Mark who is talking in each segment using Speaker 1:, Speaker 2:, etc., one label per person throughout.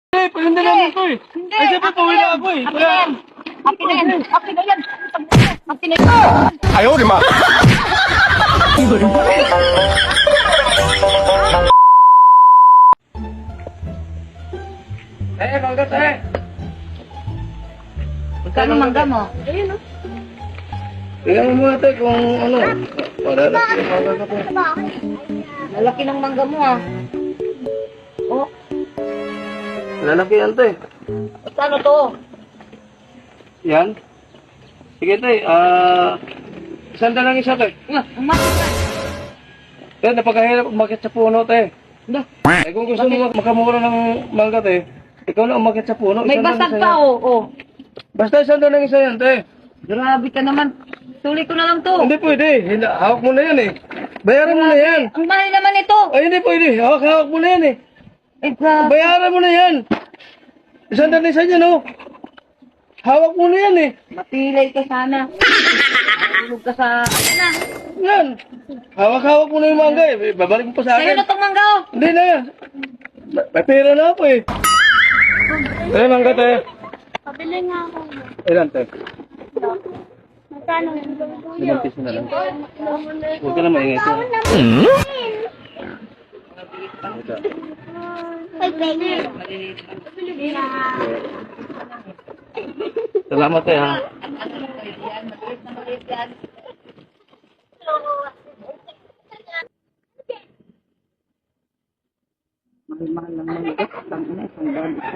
Speaker 1: Hindi namin ko eh.
Speaker 2: Hindi.
Speaker 1: Ay, siyempre, pauwi na ako eh.
Speaker 2: Akin na yan. Akin na yan. Akin na yan. Akin na yan.
Speaker 3: Ayaw, di ma.
Speaker 1: Manggat eh.
Speaker 2: Magkano mangga mo?
Speaker 4: Ayun, oh.
Speaker 1: Tingnan mo muna tayo kung ano. Malalaki yung mangga ko.
Speaker 2: Lalaki ng mangga mo ah. Oh,
Speaker 1: Lalaki yan tayo.
Speaker 2: magkano to?
Speaker 1: Yan. Sige tayo. Sanda lang isa tayo.
Speaker 2: Umakit ka.
Speaker 1: Tayo, napakahirap umakit sa puno tayo.
Speaker 2: Dah.
Speaker 1: Eh kung gusto mo makamura ng mangga tayo, ikaw na umakit sa puno.
Speaker 2: May
Speaker 1: isang
Speaker 2: basag
Speaker 1: lang isa
Speaker 2: pa
Speaker 1: yan.
Speaker 2: oh. Oh.
Speaker 1: Basta isang lang isa yan tayo.
Speaker 2: Grabe ka naman. Tuloy ko na lang to.
Speaker 1: Hindi pwede. Hawak mo na yan eh. Bayaran mo na yan.
Speaker 2: Ang mahal naman ito.
Speaker 1: Ay, hindi pwede. Hawak mo na yan eh.
Speaker 2: Eh, grabe.
Speaker 1: Bayaran mo na yan. Isang lang isa yan oh. Hawak mo na yan eh.
Speaker 2: Mapilay ka sana. Tulog ka sa... Ano na?
Speaker 1: Yan. Hawak-hawak mo na yung mangga eh. Babalik mo pa sa
Speaker 2: Sa'yo
Speaker 1: akin.
Speaker 2: na tong mangga oh.
Speaker 1: Hindi na. May pera na ako eh. Tayo, mangga tayo.
Speaker 4: Pabili nga ako.
Speaker 1: Ilan tayo?
Speaker 4: Magkano?
Speaker 1: 5 piso na lang. Huwag ka na maingay ko.
Speaker 4: Ay, baby.
Speaker 1: Salamat tayo ha.
Speaker 2: Mahal lang mangga. Tangina, isang daan ito.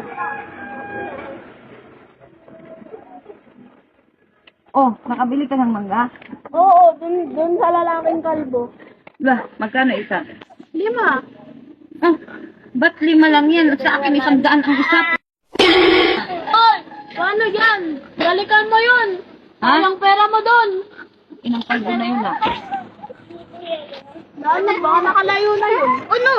Speaker 2: Oh, nakabili ka ng mangga?
Speaker 4: Oo, dun sa lalaking kalbo.
Speaker 2: Lah, magkano isa?
Speaker 4: 5.
Speaker 2: Ah, ba't 5 lang yan? Sa akin 100 ang isa.
Speaker 4: Oy! Paano yan? Balikan mo yun!
Speaker 2: Ha?
Speaker 4: Walang pera mo dun!
Speaker 2: Inang kalbo na yun ah.
Speaker 4: Ano, baka nakalayo na yun. Ano?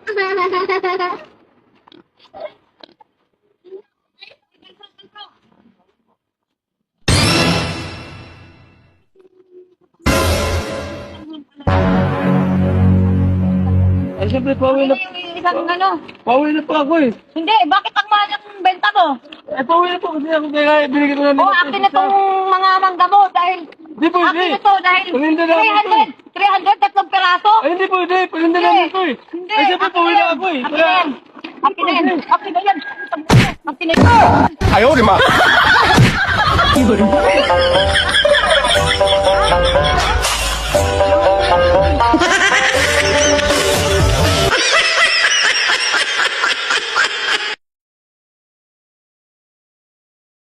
Speaker 1: Ay, siyempre, pauwi na.
Speaker 2: Yung isang ano?
Speaker 1: Pauwi na pa ako eh.
Speaker 2: Hindi, bakit ang mahal ng benta mo?
Speaker 1: Eh, pauwi na po kasi ako kaya binigyan ko na
Speaker 2: Oh, akin na tong mga mangga mo dahil...
Speaker 1: Hindi pwede.
Speaker 2: Akin na to dahil...
Speaker 1: Paninda na ako ito.
Speaker 2: 300, tatlong peraso.
Speaker 1: Ay, hindi pwede. Paninda na ako eh.
Speaker 2: Hindi.
Speaker 1: Ay, siyempre, pauwi na ako eh.
Speaker 2: Akin na yan. Akin na yan. Akin na yan. Akin na yan.
Speaker 3: Ayaw, di ma.